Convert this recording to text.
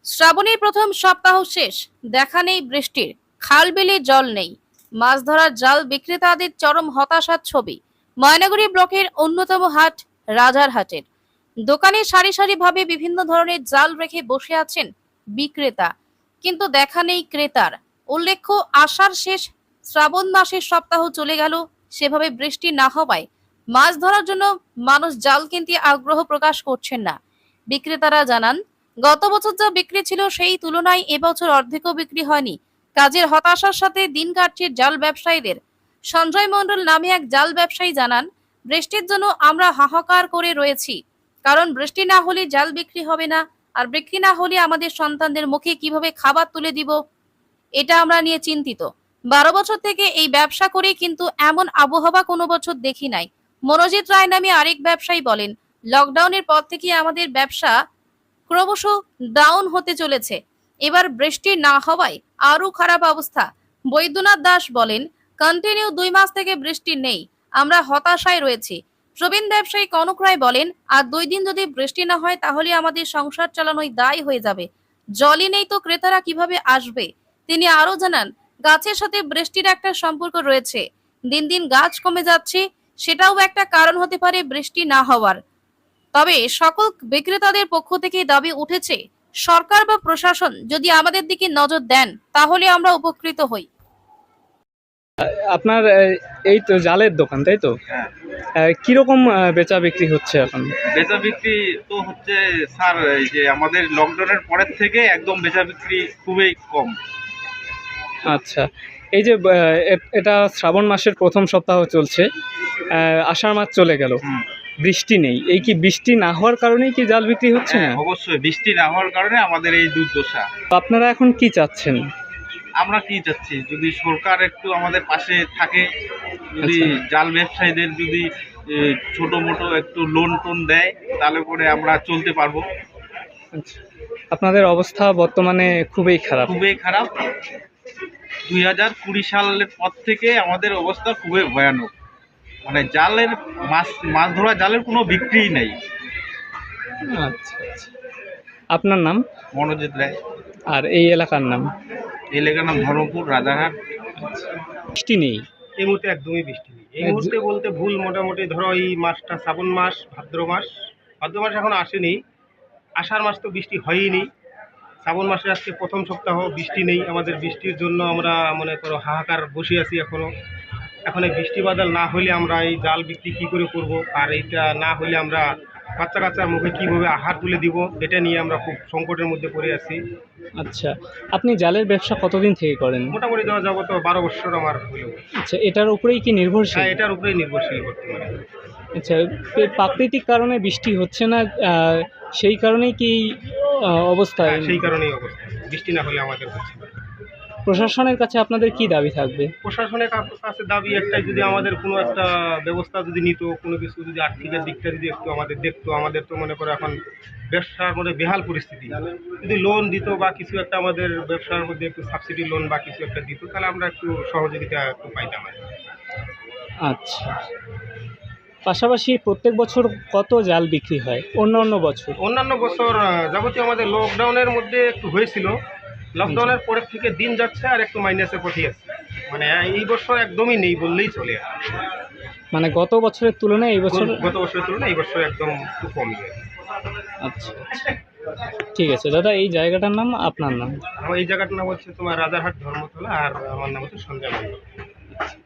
শ্রাবণের প্রথম সপ্তাহ শেষ, দেখা নেই বৃষ্টির, খাল বিলে জল নেই। মাছ ধরার জাল বিক্রেতাদের চরম হতাশার ছবি। ময়নাগুড়ি ব্লকের অন্যতম হাট রাজারহাটের দোকানে সারি সারি ভাবে বিভিন্ন ধরনের জাল রেখে বসে আছেন বিক্রেতা, কিন্তু দেখা নেই ক্রেতার। উল্লেখ্য, আষাঢ় শেষ, শ্রাবণ মাসের সপ্তাহ চলে গেল, সেভাবে বৃষ্টি না হওয়ায় মাছ ধরার জন্য মানুষ জাল কিনতে আগ্রহ প্রকাশ করছেন না। বিক্রেতারা জানান, গত বছর যা বিক্রি ছিল সেই তুলনায় এবছর অর্ধেকও বিক্রি হয়নি। কাজের হতাশার সাথে দিন কাটছে জাল ব্যবসায়ীদের। সঞ্জয় মণ্ডল নামে এক জাল ব্যবসায়ী জানান, বৃষ্টির জন্য আমরা হাহাকার করে রয়েছি, কারণ বৃষ্টি না হলে জাল বিক্রি হবে না, আর বিক্রি না হলে আমাদের সন্তানদের মুখে কিভাবে খাবার তুলে দিব, এটা আমরা নিয়ে চিন্তিত। 12 বছর থেকে এই ব্যবসা করে কিন্তু এমন আবহাওয়া কোনো বছর দেখি নাই। মনোজিৎ রায় নামে আরেক ব্যবসায়ী বলেন, লকডাউনের পর থেকে আমাদের ব্যবসা ক্রমশ ডাউন হতে চলেছে। এবার বৃষ্টি না হওয়ায় আরো খারাপ অবস্থা। বৈদ্যনাথ দাস বলেন, কন্টিনিউ 2 মাস থেকে বৃষ্টি নেই, আমরা হতাশায় রয়েছি। প্রবীণ ব্যবসায়ী কনক রায় বলেন, আর 2 দিন যদি বৃষ্টি না হয় তাহলে আমাদের সংসার চালানোই দায় হয়ে যাবে। জলই নেই তো ক্রেতারা কিভাবে আসবে? তিনি আরো জানান, গাছের সাথে বৃষ্টির একটা সম্পর্ক রয়েছে। দিন দিন গাছ কমে যাচ্ছে, সেটাও একটা কারণ হতে পারে বৃষ্টি না হওয়ার। তবে সকল বিক্রেতাদের পক্ষ থেকে দাবি উঠেছে, সরকার বা প্রশাসন যদি আমাদের দিকে নজর দেন তাহলে আমরা উপকৃত হই। আপনার এই তো জালের দোকান, তাই তো? কিরকম বেচা বিক্রি হচ্ছে এখন? বেচা বিক্রি তো হচ্ছে স্যার, এই যে আমাদের লকডাউনের পরের থেকে একদম বেচা বিক্রি খুবই কম। আচ্ছা, এই যে এটা শ্রাবণ মাসের প্রথম সপ্তাহ চলছে, আষাঢ় মাস চলে গেল, বৃষ্টি নেই। এই কি বৃষ্টি না হওয়ার কারণেই কি জাল বিক্রি হচ্ছে না? অবশ্যই বৃষ্টি না হওয়ার কারণে আমাদের এই দুর্দশা। তো আপনারা এখন কি চাচ্ছেন? আমরা কি চাচ্ছি, যদি সরকার একটু আমাদের পাশে থাকে, যদি জাল ব্যবসায়ীদের যদি ছোট মোটো একটু লোন টোন দেয়, তাহলে করে আমরা চলতে পারবো। আচ্ছা, আপনাদের অবস্থা বর্তমানে খুবই খারাপ। খুবই খারাপ। 2020 সালের পর থেকে আমাদের অবস্থা খুবই ভয়ানক। মানে জালের মাছ ধরা জালের কোনো বিক্রিই নেই। আচ্ছা আচ্ছা, আপনার নাম? মনোজিৎ রায়। আর এই এলাকার নাম? এই এলাকার নাম ধর্মপুর, রাজারহাট। বৃষ্টি নেই এই মুহূর্তে একদমই বৃষ্টি নেই। এই মুহূর্তে বলতে ভুল, মোটামুটি ধরো এই মাসটা শ্রাবণ মাস, ভাদ্র মাস এখন আসেনি। আষাঢ় মাস তো বৃষ্টি হয়ইনি। শ্রাবণ মাসে আজকে প্রথম সপ্তাহ, বৃষ্টি নেই। আমাদের বৃষ্টির জন্য আমরা মনে করো হাহাকার বসে আছি এখনো। এখন এই বৃষ্টি বাদল না হলে আমরা এই জাল বিক্রি কী করে করব, আর এইটা না হলে আমরা বাচ্চা কাচ্চার মুখে কীভাবে আহার তুলে দিব, এটা নিয়ে আমরা খুব সংকটের মধ্যে পড়ে আছি। আচ্ছা, আপনি জালের ব্যবসা কতদিন থেকে করেন? মোটামুটি দেওয়া যাবো তো 12 বছর আমার হলো। আচ্ছা, এটার উপরেই কি নির্ভরশীল? হ্যাঁ, এটার উপরেই নির্ভরশীল বর্তমানে। আচ্ছা, এই প্রাকৃতিক কারণে বৃষ্টি হচ্ছে না, সেই কারণেই কি অবস্থা? সেই কারণেই অবস্থা, বৃষ্টি না হলে আমাদের হচ্ছে না। প্রশাসনের কাছে আপনাদের কি দাবি থাকবে? প্রশাসনের কাছে দাবি একটাই, যদি আমাদের কোনো একটা ব্যবস্থা যদি নিত, কোনো কিছু যদি আর্থিকের দিকটা যদি একটু আমাদের দেখতো। আমাদের তো মনে করো এখন ব্যবসার মধ্যে বেহাল পরিস্থিতি। যদি লোন দিত বা কিছু একটা আমাদের ব্যবসার মধ্যে একটু সাবসিডি লোন বা কিছু একটা দিত, তাহলে আমরা একটু সহযোগিতা একটু পাইতাম। আচ্ছা, পাশাপাশি প্রত্যেক বছর কত জাল বিক্রি হয় অন্যান্য বছর? অন্যান্য বছর যাবতীয় আমাদের লকডাউনের মধ্যে একটু হয়েছিল। লকডাউনের পরের থেকে দিন যাচ্ছে আর একটু মাইনাসে পথে আছে। মানে এই বছর একদমই নেই বললেই চলে। মানে গত বছরের তুলনায় এই বছর? গত বছরের তুলনায় এই বছর একদম খুব কমই। আচ্ছা আচ্ছা, ঠিক আছে দাদা। এই জায়গাটার নাম, আপনার নাম? আমার এই জায়গাটার নাম হচ্ছে তোমার রাজারহাট ধর্মতলা, আর আমার নাম হচ্ছে সঞ্জয় মণ্ডল।